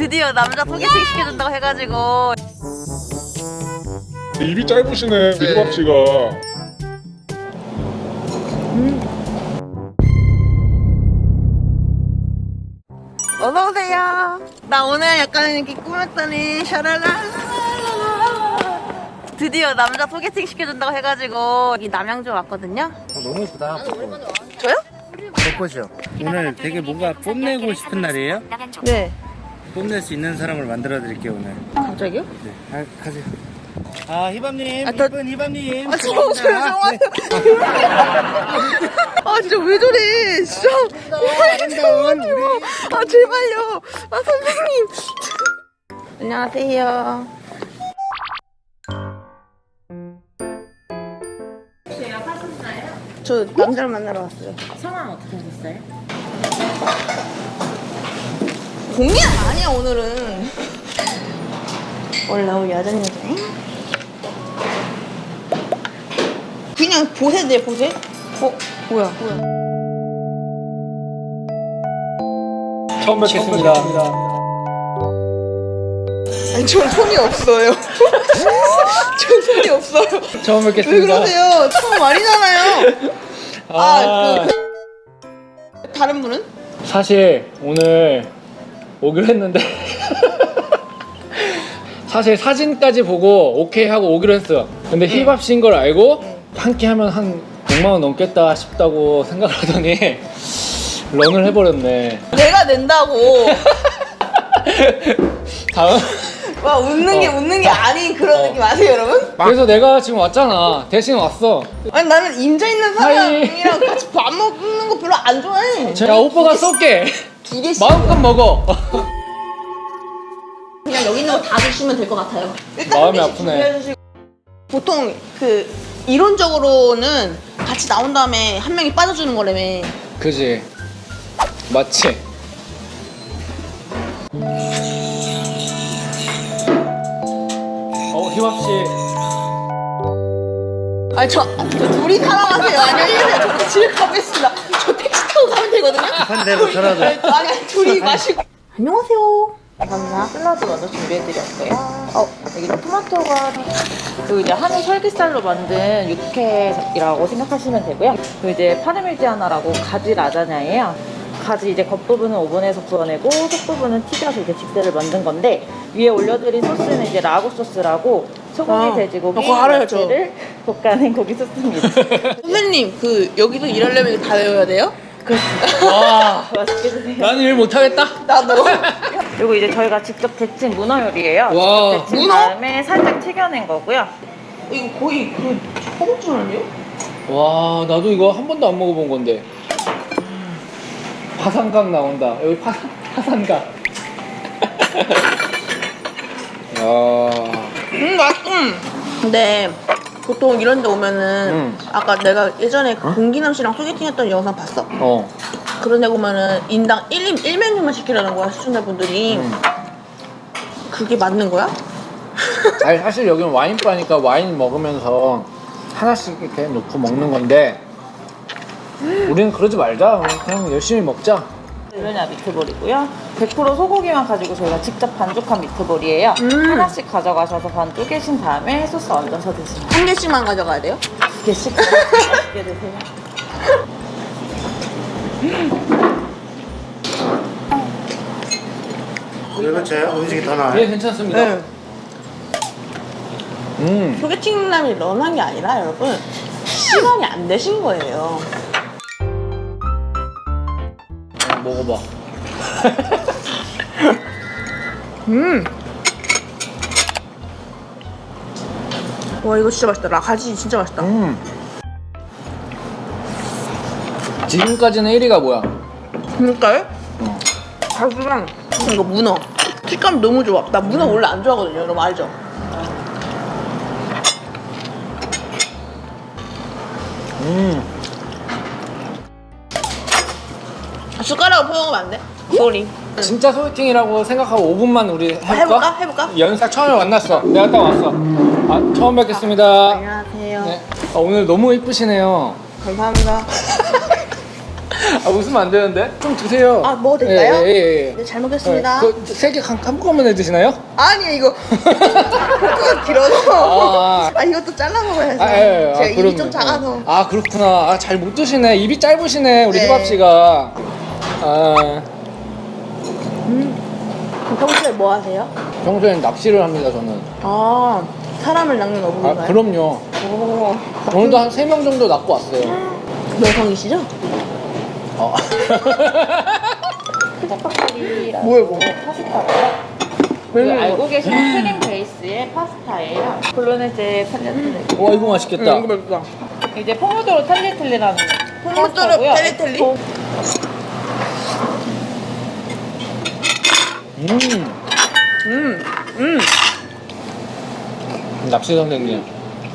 드디어 남자 소개팅 시켜준다고 해가지고. 입이 짧으시네, 미주밥 씨가. 어서오세요. 나 오늘 약간 이렇게 꾸몄더니 샤랄라. 드디어 남자 소개팅 시켜준다고 해가지고 여기 남양주 왔거든요. 너무 예쁘다. 저요? 벚꽃이요. 오늘 되게 뭔가 뽐내고 싶은 날이에요? 네. 뽐낼 수 있는 사람을 만들어 드릴게요 오늘. 갑자기요? 네, 가세요. 아 희밤님, 아, 더- 예쁜 희밤님. 아, 죄송해요. 아, 진짜 왜 저래. 진짜. 아름다운 우리. 아, 제발요. 아, 선생님. 안녕하세요. 저 남자를 만나러 왔어요. 성함 어떻게 하셨어요? 공연 아니야, 오늘은. 원래 우리 여자인 여자인? 그냥 보세네, 보세? 뭐야. 처음 뵙겠습니다. 아니, 전 손이 없어요. 전 손이 없어요. 처음 왜 그러세요? 처음 아니잖아요. 다른 분은? 사실 오늘 오기로 했는데 사실 사진까지 보고 오케이 하고 오기로 했어요. 근데 힙합 씨인 걸 알고 한 끼 하면 한 100만 원 넘겠다 싶다고 생각을 하더니 런을 해버렸네. 내가 낸다고. 다음 와, 웃는 게 아닌 그런 느낌 아세요, 여러분? 그래서 내가 지금 왔잖아. 대신 왔어. 아니, 나는 임자 있는 사람이랑 같이 밥 먹는 거 별로 안 좋아해. 야, 오빠가 쏠게. 2개씩. 마음껏 먹어. 그냥 여기 있는 거 다 드시면 될 것 같아요. 일단 마음이 한 개씩 아프네. 준비해주시고. 보통 이론적으로는 같이 나온 다음에 한 명이 빠져주는 거라며. 그지? 맞지? 힙합 씨. 아니, 저 둘이 사랑하세요. 안녕히 계세요. 저 집에 가보겠습니다. 저 택시 타고 가면 되거든요. 한 대로 전화줘. 아니, 둘이 마시고. 안녕하세요. 감사합니다. 샐러드 먼저 준비해드렸어요. 여기 토마토가 그 이제 한우 설기살로 만든 육회라고 생각하시면 되고요. 그 이제 파르미지아나라고 가지 라자냐예요. 가지 이제 겉부분은 오븐에서 구워내고 속부분은 튀겨서 이렇게 직대를 만든 건데 위에 올려드린 소스는 이제 라구 소스라고 소고기, 돼지고기, 그거 알아요, 저. 야채를 볶아낸 고기 소스입니다. 선생님, 여기서 일하려면 이거 다 외워야 돼요? 와, 맛있게 드세요. 나는 일 못하겠다. 나도. 그리고 이제 저희가 직접 데친 문어 요리예요. 와. 직접 데친 문어? 다음에 살짝 튀겨낸 거고요. 이거 거의 허벅지 아니에요? 와, 나도 이거 한 번도 안 먹어본 건데. 파산각 나온다. 여기 파산각. 야. 맛있어. 근데 보통 이런 데 오면은 아까 내가 예전에 공기남 씨랑 소개팅했던 영상 봤어? 그런 데 보면은 인당 1메뉴만 시키라는 거야, 시청자분들이. 그게 맞는 거야? 아니, 사실 여기는 와인바니까 와인 먹으면서 하나씩 이렇게 놓고 먹는 건데 우리는 그러지 말자. 그냥 열심히 먹자. 르냐 미트볼이고요. 100% 소고기만 가지고 저희가 직접 반죽한 미트볼이에요. 하나씩 가져가셔서 반 쪼개신 다음에 소스 얹어서 드시면 한 개씩만 가져가야 돼요? 2개씩 맛있게 드세요. 그리고 제 음식이 더 나아요. 예, 괜찮습니다. 소개팅남이 런한 게 아니라 여러분, 시간이 안 되신 거예요. 먹어봐. 와, 이거 진짜 맛있다. 가지 진짜 맛있다. 지금까지는 1위가 뭐야? 그러니까요? 가지랑 이거 문어. 식감 너무 좋아. 나 문어 원래 안 좋아하거든요. 여러분 알죠? 숟가락으로 퍼먹으면 안 돼? 소리. 진짜 소개팅이라고 생각하고 5분만 우리 해볼까? 해볼까? 연상 처음에 만났어. 내가 딱 왔어. 아, 처음 뵙겠습니다. 안녕하세요. 네. 오늘 너무 이쁘시네요. 감사합니다. 아, 웃으면 안 되는데? 좀 드세요. 아, 먹어도 될까요? 예. 네, 잘 먹겠습니다. 세개 한꺼번에 드시나요? 아니 이거 포크가 길어서. 아. 이것도 잘라 먹어야죠. 예. 제가 입이 그럼요. 좀 작아서. 아, 그렇구나. 아, 잘 못 드시네. 입이 짧으시네, 우리 네. 희밥 씨가. 아, 평소에 뭐 하세요? 평소엔 낚시를 합니다, 저는. 아, 사람을 낚는 어부인가요? 아, 그럼요. 오. 오늘도 한 3명 정도 낚고 왔어요. 여성이시죠? 어. 크레파카리라고 뭐야, 이거? 파스타고요. 그 알고 계시는 크림 베이스의 파스타예요. 볼로네제 탈레텔레. 와, 이거 맛있겠다. 이거 맛있다. 이제 포모도로 탈레텔레라는 포모도로 파스타고요. 텔레텔리? 낚시 선생님.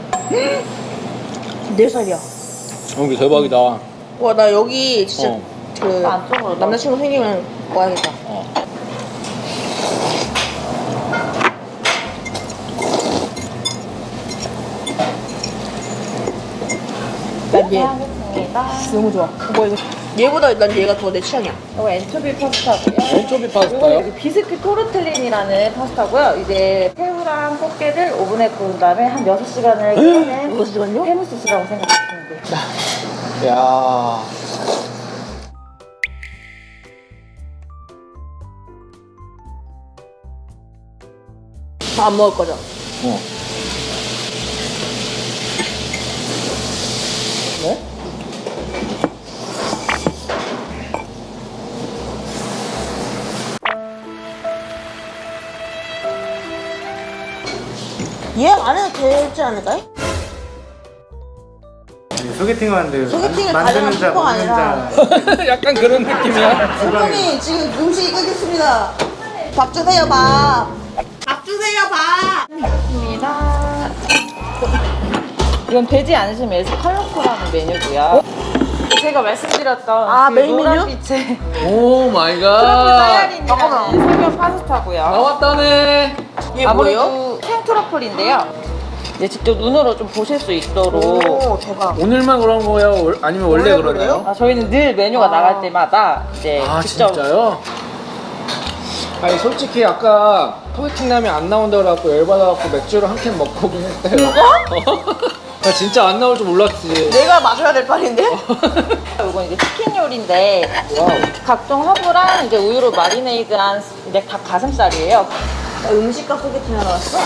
4살이야. 여기 대박이다. 와, 나 여기 진짜 어. 그 안쪽으로 남자친구 생기면 와야겠다. 어. 난 얘 하겠습니다. 너무 좋아. 이거 얘보다 난 얘가 더 내 취향이야. 이거 엔초비 파스타고요. 엔초비 이거 파스타요? 여기 비스킷 토르텔린이라는 파스타고요. 이제 새우랑 꽃게를 오븐에 구운 다음에 한 6시간을 끓여낸 6시간요? 해물 소스라고 생각하시면 돼요. 야. 안 먹을 거죠? 어. 네? 얘 안 해도 되지 않을까요? 소개팅 하는데 소개팅을 만드는 가능한 자 슈퍼가 먹는 아니라. 자 약간 그런 느낌이야. 선생님 지금 음식이 끓겠습니다. 밥 주세요 밥. 밥 주세요 밥. 입니다. 이건 되지 않으신 메스 컬러풀라는 메뉴고요. 제가 말씀드렸던 아, 그 메인 메뉴? 노란빛의 오 마이 트러플 갓. 사야린이라는 설명 파스타고요. 나왔다네. 얘 뭐예요? 아무래도 생트러플인데요. 이제 직접 눈으로 좀 보실 수 있도록. 오 대박. 오늘만 그런 거예요? 아니면 원래 원래 그러나요? 아, 저희는 늘 메뉴가 아. 나갈 때마다 이제 아 직접 진짜요? 아니 솔직히 아까 소개팅 라면 안 나온다 그래갖고 열받아갖고 맥주를 한 캔 먹고 오긴 했어요. 나 진짜 안 나올 줄 몰랐지. 내가 마셔야 될 판인데? 이건 이제 치킨 요리인데 와우. 각종 허브랑 이제 우유로 마리네이드한 이제 닭 가슴살이에요. 나 음식과 소개팅 하러 왔어?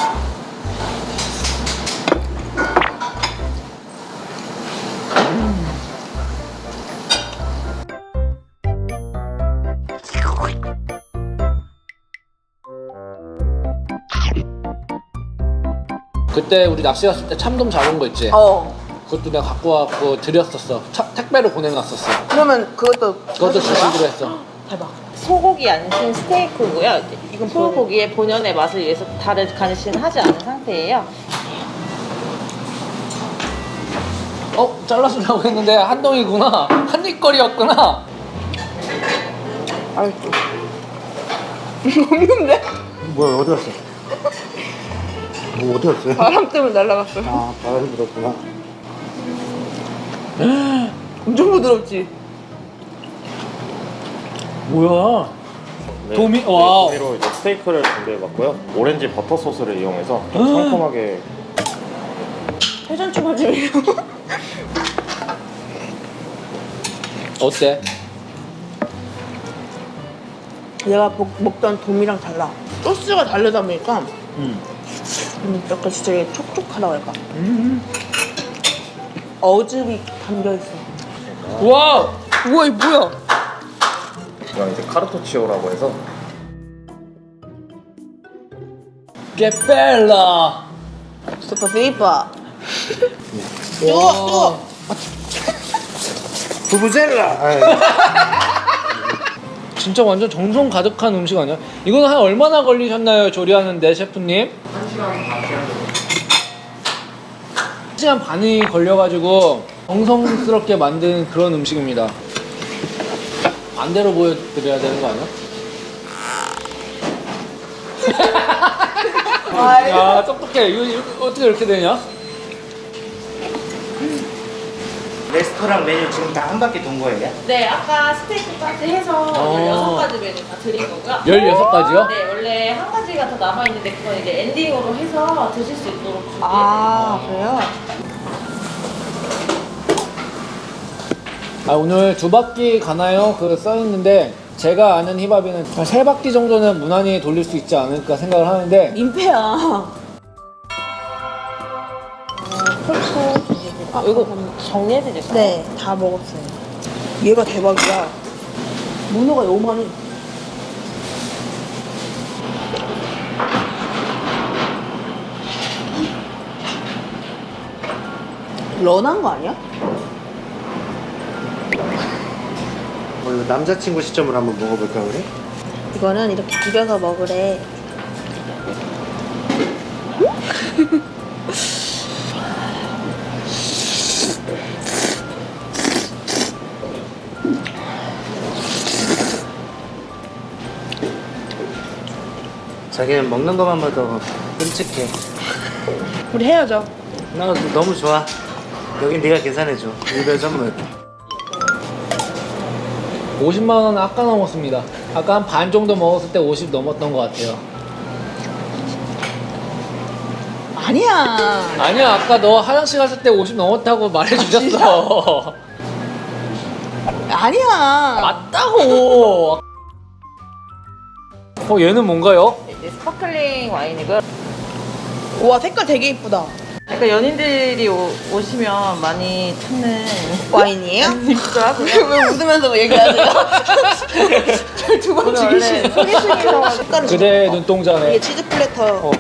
그때 우리 낚시 갔을 때 참돔 잡은 거 있지? 그것도 내가 갖고 와갖고 드렸었어. 택배로 보내놨었어. 그러면 그것도 그것도 사주는 거야? 주시기로 했어. 대박. 소고기 안심 스테이크고요. 이건 소고기의 본연의 맛을 위해서 다른 간신을 하지 않은 상태예요. 잘라주려고 했는데 한동이구나. 한입거리였구나. 알죠. 없는데? 뭐야 어디 갔어? 뭐 어디 갔어요? 바람 때문에 날아갔어요. 아 바람이 불었구나. 엄청 부드럽지? 뭐야? 네, 도미- 와우. 도미로 이제 스테이크를 준비해봤고요. 오렌지 버터 소스를 이용해서 좀 상큼하게. 회전초 바지예요. 어때? 내가 먹던 돔이랑 달라. 소스가 다르다 보니까 약간 진짜 이게 촉촉하다고 할까? 어즙이 담겨있어. 우와! 우와 이거 뭐야? 이건 이제 카르토치오라고 해서 깨벨라. 슈퍼 피파. 뜨거! 부부젤라. 진짜 완전 정성 가득한 음식 아니야? 이건 한 얼마나 걸리셨나요? 조리하는데 셰프님? 1시간 반이 걸려가지고 정성스럽게 만든 그런 음식입니다. 반대로 보여드려야 되는 거 아니야? 야 똑똑해. 이거 어떻게 이렇게 되냐? 레스토랑 메뉴 지금 다 한 바퀴 돈 거예요? 네, 아까 스테이크까지 해서 16가지 메뉴 다 드린 거고요. 16가지요? 네, 원래 한 가지가 더 남아있는데 그건 이제 엔딩으로 해서 드실 수 있도록 준비해드린 아, 그래요? 아, 오늘 2바퀴 가나요? 그 써있는데 제가 아는 힙합이는 한 3바퀴 정도는 무난히 돌릴 수 있지 않을까 생각을 하는데 민폐야. 아, 이거 정리해드릴까요? 네, 다 먹었어요. 얘가 대박이야. 문어가 요만해. 런한 거 아니야? 오늘 남자친구 시점으로 한번 먹어볼까 우리? 이거는 이렇게 비벼서 먹으래. 자기는 먹는 것만 봐도 끔찍해. 우리 헤어져. 나 너무 좋아. 여긴 네가 계산해줘. 이별 선물. 50만 원은 아까 넘었습니다. 아까 한 반 정도 먹었을 때 50 넘었던 것 같아요. 아니야. 아니야, 아까 너 화장실 갔을 때 50 넘었다고 말해주셨어. 아니야. 맞다고. 얘는 뭔가요? 이제 스파클링 와인이고요. 와, 색깔 되게 이쁘다. 그러니까 연인들이 오시면 많이 찾는 와인이에요? 있더라고요. 왜 웃으면서 얘기하세요? 저 두 번 오늘 원래 죽이시네. 소개팅이라고 색깔은 그대 좋다. 눈동자네. 이게 치즈 플래터.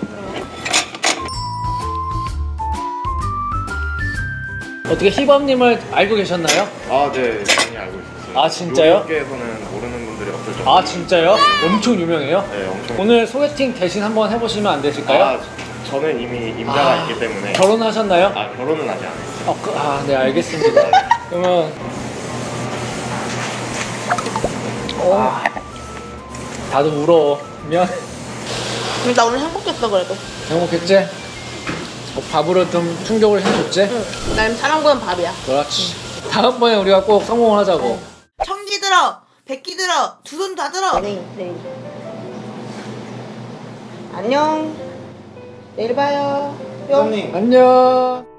어떻게 힙합님을 알고 계셨나요? 아, 네, 많이 알고 있었어요. 아, 진짜요? 요리계에서는 모르는 분들이 없을 정도. 아, 진짜요? 엄청 유명해요? 네, 엄청. 오늘 소개팅 대신 한번 해보시면 안 되실까요? 아, 저는 이미 임자가 있기 때문에. 결혼하셨나요? 아, 결혼은 아직 안 했어요. 네, 알겠습니다. 그러면 다들 울어. 미안. 나 오늘 행복했어, 그래도. 행복했지? 밥으로 좀 충격을 해줬지? 응. 난 사람보단 밥이야. 그렇지. 다음번에 우리가 꼭 성공을 하자고. 청기 들어, 백기 들어, 두 손 다 들어. 네. 안녕. 내일 봐요. 뿅. 형님. 안녕.